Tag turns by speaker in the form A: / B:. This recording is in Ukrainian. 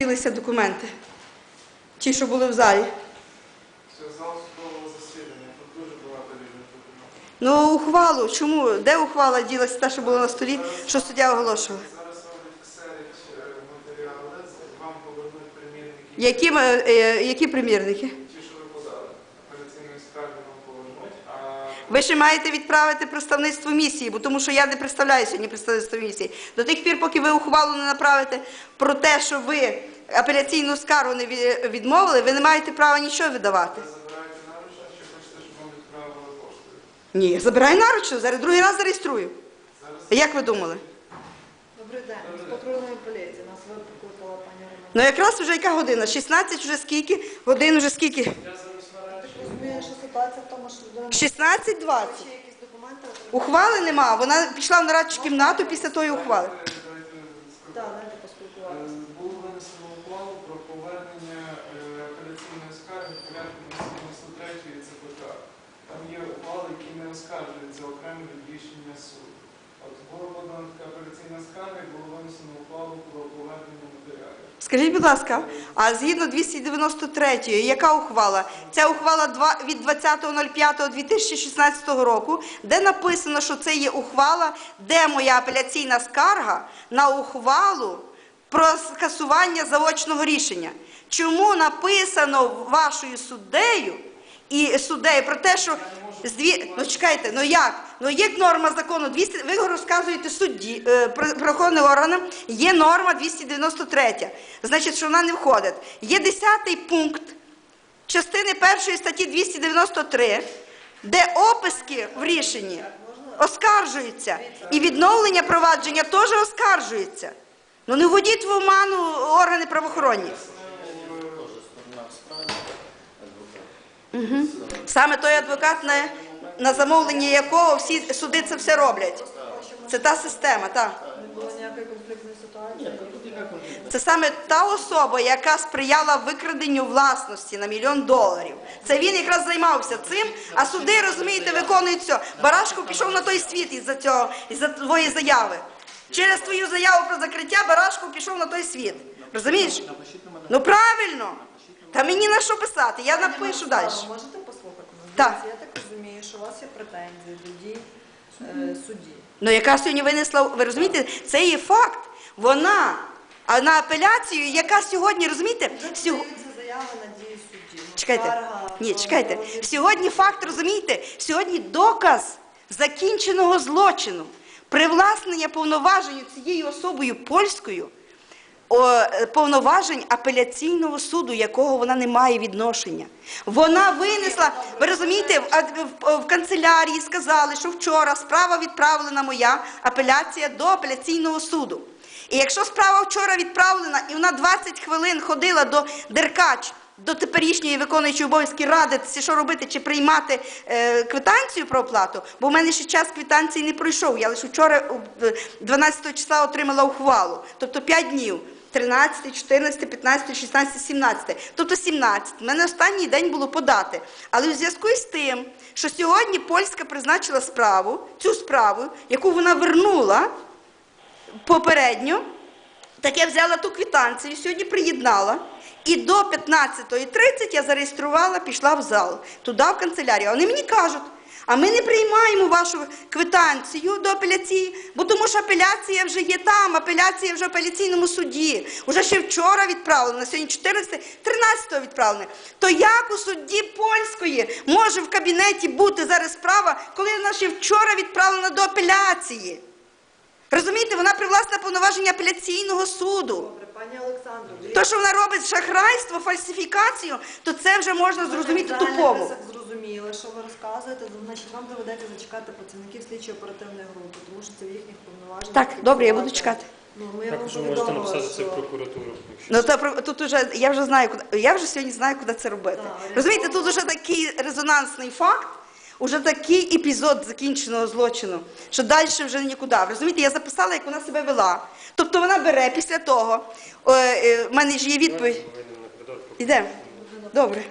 A: Ділися документи, ті, що були в залі.
B: Це зал судового засідання, тут дуже багато різних документів.
A: Ну, ухвалу, чому? Де ухвала ділася, та, що була на столі, що суддя оголошував?
B: Зараз роблять серед матеріали, вам повернуть примірники.
A: Які примірники?
B: Ті, що ви подали. Апеляційної скарги вам повернуть, а...
A: Ви ще маєте відправити представництво місії, бо тому що я не представляю сьогодні представництво місії. До тих пір, поки ви ухвалу не направите про те, що ви апеляційну скаргу не відмовили, ви не маєте права нічого видавати.
B: Ви забираєте наручно, чи хочете, щоб вам відправили поштою?
A: Ні, я забираю наручно, зараз другий раз зареєструю.
B: Зараз...
A: Як ви думали?
C: Добрий день, з патрульної поліції. Нас викликала пані Романа.
A: Ну якраз вже яка година? 16 вже скільки? Годин вже скільки?
B: Я зараз наразі...
C: Так розумію, що ситуація в тому, що людина...
A: 16:20.
C: Ще якісь документи отримали?
A: Ухвали нема, вона пішла в нарадчу кімнату після тої ухвали.
C: Так, дайте поспілкуватися.
B: Було винесено ухвалу про повернення апеляційної скарги в порядку 93-ї ЦПК. Там є ухвали, які не оскаржуються окремо від рішення суду. От була подана така апеляційна скарга і було винесено ухвалу про повернення матеріалів.
A: Скажіть, будь ласка, а згідно 293-ї, яка ухвала? Ця ухвала від 20.05.2016 року, де написано, що це є ухвала, де моя апеляційна скарга на ухвалу про скасування заочного рішення. Чому написано вашою суддею і суддею про те, що... Ну чекайте, ну як? Ну є норма закону, ви розказуєте судді, правоохоронним органам, є норма 293, значить, що вона не входить. Є 10-й пункт частини 1 статті 293, де описки в рішенні оскаржуються, і відновлення провадження теж оскаржується. Ну не вводіть в оману органи правоохоронні. Угу. Саме той адвокат, на замовлення якого всі суди це все роблять. Це та система, так.
C: Не було ніякої конфліктної ситуації?
A: Це саме та особа, яка сприяла викраденню власності на $1 мільйон. Це він якраз займався цим, а суди, розумієте, виконують все. Барашко пішов на той світ із-за твоєї заяви. Через твою заяву про закриття Барашко пішов на той світ. Розумієш? Ну правильно. Та мені на що писати, я напишу далі.
C: Можете послухати нас?
A: Так.
C: Я так розумію, що у вас є претензії до дій судді.
A: Ну яка сьогодні винесла, ви розумієте, це є факт. Вона, а на апеляцію, яка сьогодні, розумієте,
C: Заяви на дії судді.
A: Чекайте, ні, чекайте. Сьогодні факт, розумієте, сьогодні доказ закінченого злочину, привласнення повноважень цією особою польською, повноважень апеляційного суду, якого вона не має відношення. Вона винесла, ви розумієте, в канцелярії сказали, що вчора справа відправлена моя, апеляція до апеляційного суду. І якщо справа вчора відправлена, і вона 20 хвилин ходила до Деркач, до теперішньої виконуючої обов'язки радитися, що робити, чи приймати квитанцію про оплату, бо в мене ще час квитанції не пройшов. Я лише вчора, 12 числа, отримала ухвалу. Тобто 5 днів. 13, 14, 15, 16, 17. Тобто 17. У мене останній день було подати. Але у зв'язку з тим, що сьогодні Польська призначила справу, цю справу, яку вона вернула попередньо, так я взяла ту квитанцію, сьогодні приєднала. І до 15:30 я зареєструвала, пішла в зал, туди, в канцелярію. Вони мені кажуть, а ми не приймаємо вашу квитанцію до апеляції, бо тому що апеляція вже є там, апеляція вже в апеляційному суді. Уже ще вчора відправлена, на сьогодні 13-го відправлена. То як у судді польської може в кабінеті бути зараз справа, коли вона ще вчора відправлена до апеляції? Розумієте, вона привласна повноваження апеляційного суду.
C: Добре, пані Олександро.
A: То, що вона робить шахрайство, фальсифікацію, то це вже можна зрозуміти тупому.
C: Ми зрозуміли, що ви розказуєте, значить вам доведеться зачекати працівників слідчо-оперативної групи, тому що це в їхніх повноваженнях.
A: Так, добре, я буду чекати.
C: Ну, ми вам
D: Також ви можете
C: повідомили,
D: написати це в
C: що...
D: прокуратуру.
A: Ну, тут уже, я вже сьогодні знаю, куди це робити. Розумієте, тут вже такий резонансний факт, уже такий епізод закінченого злочину, що далі вже нікуди. Розумієте, я записала, як вона себе вела. Тобто вона бере після того, в мене ж є відповідь. Йдемо. Добре.